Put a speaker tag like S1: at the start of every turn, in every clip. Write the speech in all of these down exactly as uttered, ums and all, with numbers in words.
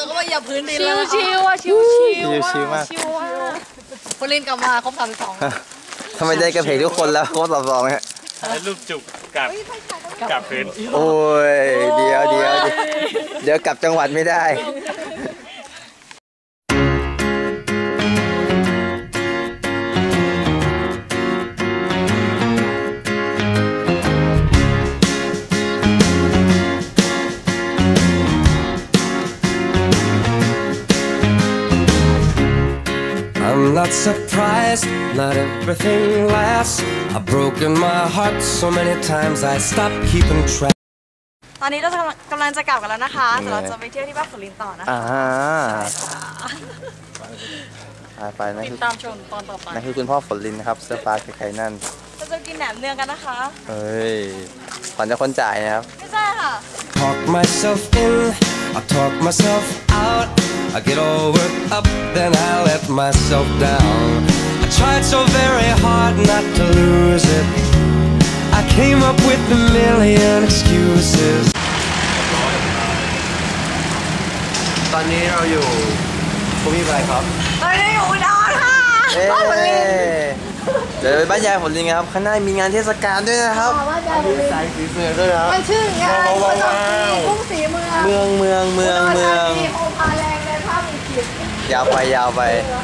S1: ก็มาเหยียบพื้นดิน
S2: ชิ
S1: แล้ว
S2: ว
S1: นะคะ
S2: ชิวอ่ะชิวชิว
S3: ชิวๆมาก
S2: ชิวอ่ะ
S1: คนเล่นกลับมาครบสามสิบสอง
S3: ทำไมได้กระเพกทุกคนแล้วโค้ดสอบสองเนี่ย
S4: แล้วลูกจุกกับกับพื้น
S3: โอ้ยเดี๋ยวเดี๋ยวเดี๋ยวกลับจังหวัดไม่ได้
S5: I'm not surprised, not everything lasts. I've broken my heart so many times I stopped keeping track.
S1: ตอนนี้เรากำลังจะกลับกันแล้วนะคะแต่เราจะไปเที่ยวที่บ้านฝนลินต่อนะคะ
S3: อ่าไปนะ
S1: ติ
S3: คื
S1: ด
S3: อ
S1: ตามชมตอนต่อไป
S3: นั่นคือคุณพ่อฝนลินนะครับเสื้อฟ้าใครๆนั่น
S1: เราจะกินแหนมเนืองกันนะคะ
S3: เฮ้ยขวัญจะคนจ่ายนะครับ
S1: ไม่ใช่ค่ะ
S5: Talk myself in, I talk myself out. I get all worked up, then I let myself down. I tried so very hard not to lose it. I came up with a million excuses.
S3: ตอนนี้เราอยู่ภูมิอะไรครับ
S1: ตอนนี้อยู่อุดรค่ะ
S3: เอ๊เดี๋ยวไปบ้านยายฝนลินครับข้างหน้ามีงานเทศกาลด้วยนะครับสายสีเสือด้วยครับ
S2: มันชื่องานประจำปีกรุงศรีเมือง
S3: เมืองเมืองเมืองเมือง
S2: มีโอภาแรงในภาพมีกิจ
S3: ยาวไปยาวไป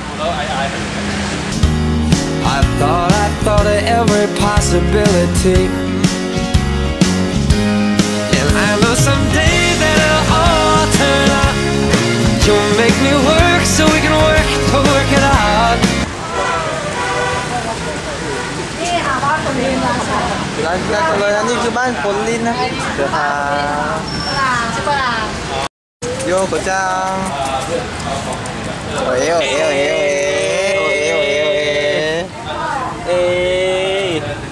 S5: I thought, I thought of every possibility. And I know someday that it'll all turn out. You'll make me work so we can work to work it out.
S2: นี่ค่ะบ้านฝนลินนะคะ
S3: ร้านร้านเลยนะนี่คือบ้านฝนลินนะเดี๋ยวพา
S2: ปลาชิปลา
S3: โยโกจังโอ้ยโอ้ยโอ้ยโอ้ยโอ้ยโอ้ยโอ้ยเอ้ย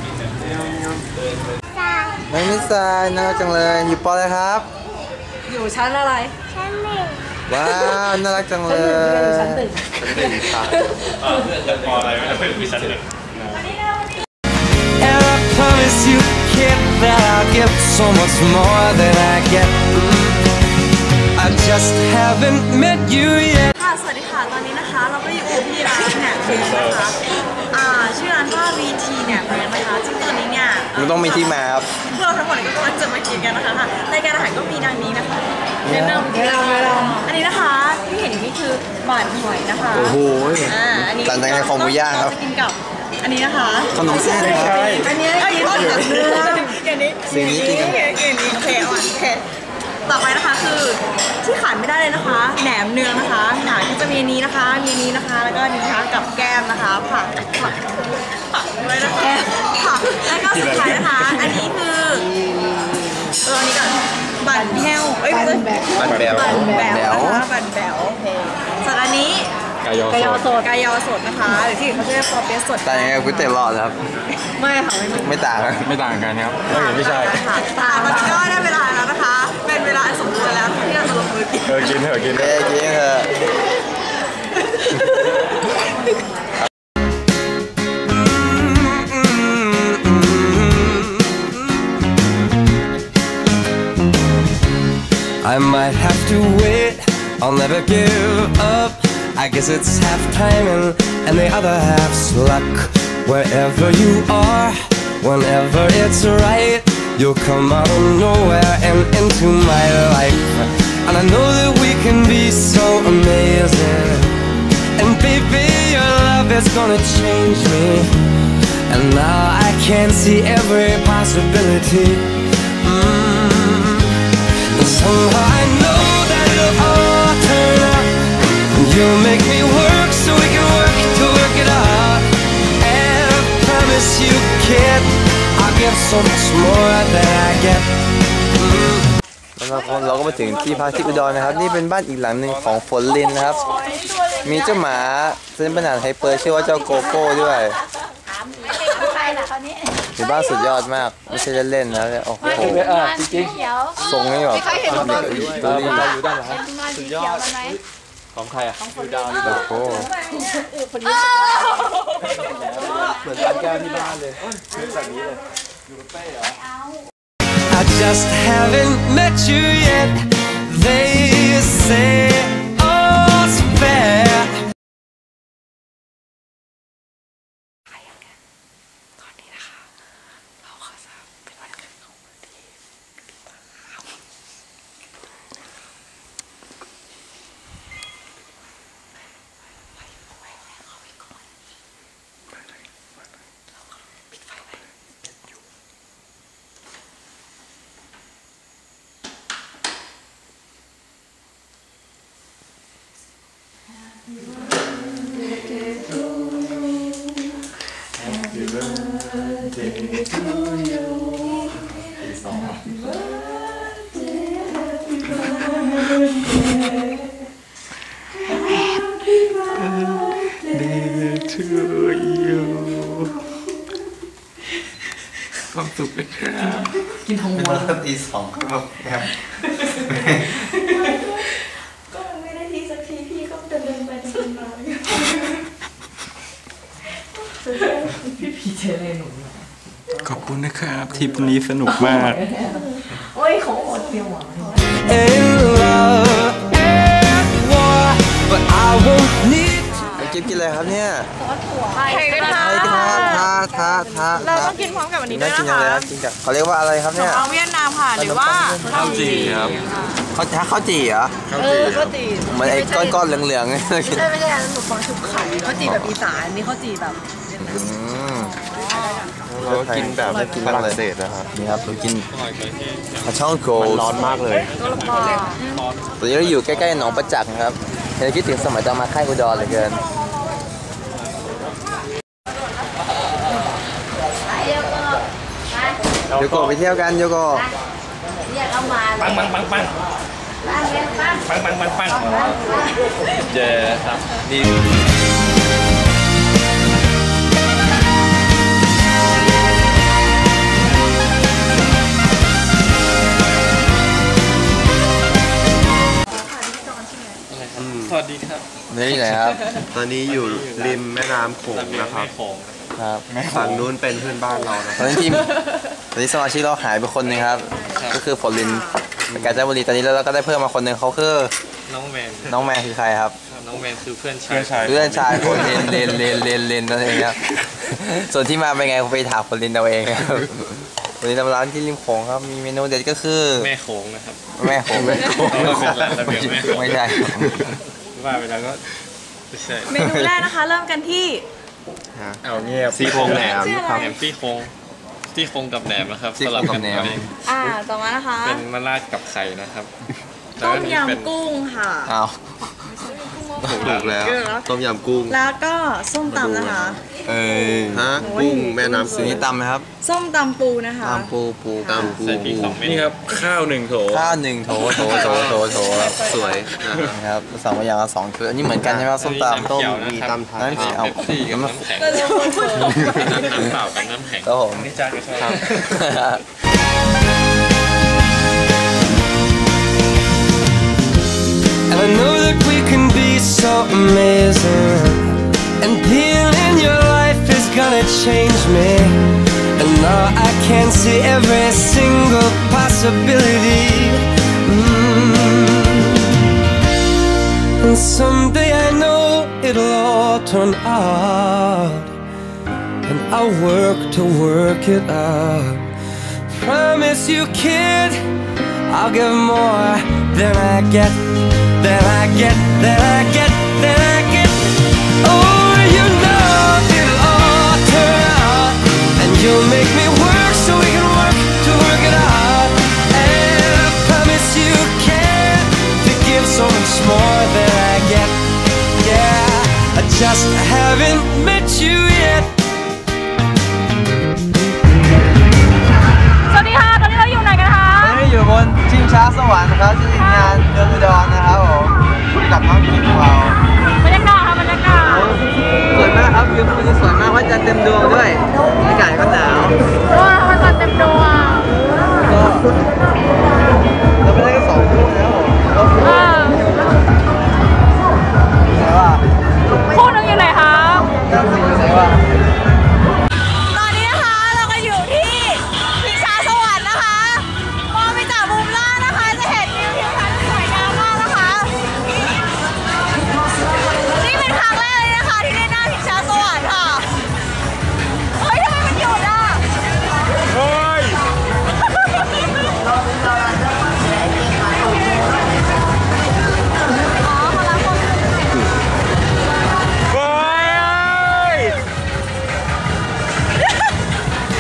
S3: น้องมิสาน่ารักจังเลยอยู่ปออะไรครับ
S1: อยู่ชั้นอะไร
S3: ว้าวน่ารักจังเลยชั้นหนึ่งค่ะ
S4: พออะไรไม่ได้เป็นวิชันเลย
S5: And I promise you, kid, that I'll give so much more than I get. I just haven't met you yet.
S1: ค่ะสวัสดีค่ะตอนนี้นะคะเราก็อยู่ที่ร้านแหนมเนืองนะคะอ่าชื่อร้านว่า วี ที แหนมเนืองนะคะซึ่งตอนนี้เนี่ย
S3: มันต้องมีที่มาครับ
S1: พวกเราทั้งหมดก็กำลังจะมากินกันนะคะค่ะรายการอาหารก็มีดังนี้นะคะแนะนำแนะนำแนะนำอันนี้นะคะที่เห็นอยู่นี่คือบ่านหอยนะคะ
S3: โอ้โห
S1: อ่าอันนี้
S3: ต่างจากในคอหมูย่างครับ
S1: เจะกินกับอันนี้นะคะ
S3: ขนมเส้นครับ
S1: อันนี้อันนี้ต้นเนื้ออย่างนี้
S3: สิ่งนี้กินกัน
S1: อย่างนี้โอเคเอาโอเคต่อไปนะคะคือที่ขาดไม่ได้เลยนะคะแหนมเนืองนะคะหนาก็จะมีนี้นะคะมีนี้นะคะแล้วก็นี้นะคะกับแก้มนะคะผักผักผักด้วยนะคะผักแล้วก็สุดท้ายนะคะอันนี้คือเอออันนี้ก่อนบั่นแห้วเอ้ยบั่นแบว
S3: บั่นแบว
S1: บั่นแบว
S3: แบว
S1: นะคะบั่นแบวโอเคส่วนอันนี้
S4: กายอสด
S1: กายอสดนะคะหรือที่อื่นเขาจะเรียกปอเปี๊ยะสด
S3: ต่างยังไงกับก๋วยเตี๋ยวหลอดครับ
S1: ไม่ค่ะไม่
S3: ไม่ต่างครับ
S4: ไม่ต่างกันครับไม่ใช่
S1: ค่ะตอนนี้ก็ได้เวลาแล้วนะคะ เป็นเวลาอันสมควรแล้วที่เราจะลงมือกิน
S4: เออกินเถอะกินเถ
S3: เอ้
S4: อะ
S3: ยกินเถอะ
S5: I might have to wait, I'll never give up. I guess it's half timing and the other half's luck. Wherever you are, whenever it's right, you'll come out of nowhere and into my life. And I know that we can be so amazing. And baby, your love is gonna change me. And now I can see every possibility. Mm. And somehow I know that it'll all turn out. You'll make me work so we can work to work it out. And I promise you, kid, I'll give so much more than I get. Mm.
S3: แล้วเราเราก็มาถึงที่พักที่อุดรนะครับนี่เป็นบ้านอีกหลังหนึ่งของฝนลินนะครับมีเจ้าหมาเซนปัญหาไฮเปอร์ชื่อว่าเจ้าโกโก้ด้วยเป็นบ้านสุดยอดมากไม่ใช่เล่นๆนะโอ้โหทรงนี่แบบดูดีอยู่ด้านหลังสุดยอดของใครอ่ะของดาวนี่แบบโอ้เหมือนร้านแก้วที่บ้านเลยซื้อแบบนี้เลยอยู่กับเป้เหรอ
S5: I just haven't met you yet. They say
S4: ความสุขเป็นครับ
S3: กินทองม้วนแล้วตีสองก็แบบแบบ
S2: ก็มันไม่ได้ทีสักทีพี่ก็เดินเดินไปเดินมาพี่เจเล่หนู
S4: ขอบคุณนะครับทริปนี้สนุกมาก
S2: โอ้ยเขาอดเปรี้ยวหวาน
S5: In love and war, but I won't need to.
S3: กินกินอะไรครับเนี่ย
S1: ไข่กระทะ
S3: ไข่ทาทาทาทา
S1: เราต้องกินพร้อมกับอันนี้ด้
S3: น่า
S1: วย
S3: กิน
S1: นะ
S3: จังเลยค
S1: คะ
S3: รับกินกับเขาเรียกว่าอะไรครับเนี่ย
S1: เอาเวียดนามค่ะหรือว่า
S4: ข้าวจี่ครับ
S3: เขาถ้าข้าวจี่เหรอ
S1: เออข้าวจี่
S3: เหมือนไอ้ก้อนๆเหลืองๆ
S1: ไม่ใช่ไม่ใช่อันนั้นหนูฟังชุบไข่ข้าวจี่แบบอีสานนี่ข้าวจี่แบบ
S3: เรากินแบบกินฝรั่งเศสนะครับนี่ครับเรากินปลาช่องโกลร้อนมากเลย
S1: ตัวละคร
S3: ตอนนี้เราอยู่ใกล้ๆหนองประจักษ์นะครับเราคิดถึงสมัยตอนมาค่ายอุดรเหลือเกินโยโกะไปเที่ยวกันโยโกะ
S2: เรียกเอามา
S4: ปังปังปังปัง
S2: บ้านเลี้ยงบ้าน
S4: ปังปังปังปังเจครับนี่ สวัสดีครับ
S3: นี่ที่ไหนครับ
S6: ตอนนี้อยู่ริมแม่น้ำโขงนะครับ
S4: โขง
S3: ครับ
S6: ฝั่งนู้นเป็นเพื่อนบ้านเรานะ
S3: ตอนนี้ทีมตอนนี้สมาชิกเราหายไปคนหนึงครับ ก็คือฝนลินกาญจนบุรีตอนนี้เราก็ได้เพิ่มมาคนหนึ่งเขาคือ
S4: น้องแมน
S3: น้องแมนคือใครครับ
S4: น้องแมนคือเพื่อนชาย
S3: เพื่อนชายคนเลนเลนเลนเลนเลนนั่นเองครับ ส่วนที่มาเป็นไงผมไปถามคนลินเอาเองครับวันนี้ทำร้านที่ริมโขงครับมีเมนูเด็ดก็คือ
S4: แม่โขงนะครับ
S3: แม่โขงแม่โขง
S4: เราเป็นร้านระเบียบแม่โขง
S3: ไม่ใช่
S4: ว่าไปแล้วก็ไม่ใช่
S1: เมนูแรกนะคะเริ่มกันที่
S4: เอาเงียบ
S6: ซี่โครงแหนมครับ
S4: แหนมซี่โครงซี่โครงกับแหนมนะครับ
S3: ซี่โครงกับแหนม
S4: สลับกัเอง
S1: อ่าต่อมานะคะ
S4: เป็นมะระกับไข่นะครับ
S1: ต้ม
S4: แล้วก็นี่เป็น
S1: ยำกุ้งค่ะ
S3: อ้าว
S6: ถูกแล้ว ต้มยำกุ้ง
S1: แล้วก็ส้มตำนะคะ
S3: เอ้ย
S6: ฮะ กุ้งแม่น้ำ
S3: สี
S6: สี
S3: นี้ตำไหมครับ
S1: ส้มตำปูนะคะ
S3: ตำปูปู
S6: ตำปู
S4: ใส่พริกสองเม็ดนี่ครับข้าวหนึ่งโถ
S3: ข้าวหนึ่งโถโถโถโถโถครับ
S6: สวยนะฮะ
S3: นะครับสองอย่างละสองคืออันนี้เหมือนกันใช่ไหมครับส้มตำต้ม
S6: มีตำไทย
S3: นั่นสิเอา
S4: เป๊ปซี่กับน้ำแข็งน้ำเปล่ากับน้ำแข็ง
S3: ครับผม
S4: นี่จานก็ชอบ
S3: ครับ
S5: And I know that we can be so amazing. And being in your life is gonna change me. And now I can see every single possibility. Mm. And someday I know it'll all turn out. And I'll work to work it out. Promise you, kid, I'll give more than I get. Then I get, then I get, then I get. Oh, you know it'll all turn out, and you'll make me work so we can work to work it out. And I promise you can to give so much more than I get. Yeah, I just haven't met you yet.
S1: สวัสดีค่ะ ตอนนี้เราอยู่ไหนกันคะ
S3: ตอนนี้อยู่บนชิงช้าสวรรค์นะครับที่งานเดือนอุดรนะครับผมกับน้องทีมของเรา
S1: บรรยากาศค่ะบรรยากาศ
S3: สวยมากครับวิวมันสวยมากว่าจะเต็มดวงด้วยอากาศก็หนาว
S1: ว้าวมันจะเต็มดวง
S3: ก็เราไปได้ก็สองคู่แล้วผม
S1: เออ
S3: แต่ว่า
S1: คู่หนึงอยู่ไหนคะ
S3: เจ้าสีอยู่ไหนวะ
S1: ตอนนี้นะคะเราก็อยู่ที่พิชาสวรรค์นะคะมองไปจากมุมล่างนะคะจะเห็นวิวทิวทัศน์สวยงามมากนะคะนี่เป็นครั้งแรกเลยนะคะที่ได้หน้าพิชาสวรรค์ค่ะเฮ้ยทำไมมันหยุดอ่ะ
S4: เฮ้ย
S1: อ๋อเขารักคน
S4: เฮ้ย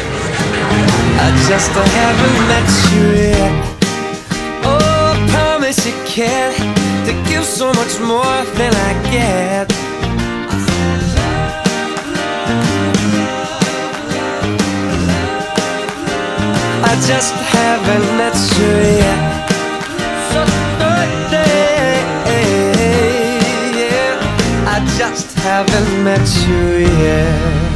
S5: I just haven't met you yet. Oh, I promise promise you can to give so much more than I get. I just haven't met you yet. So yeah, I just haven't met you yet.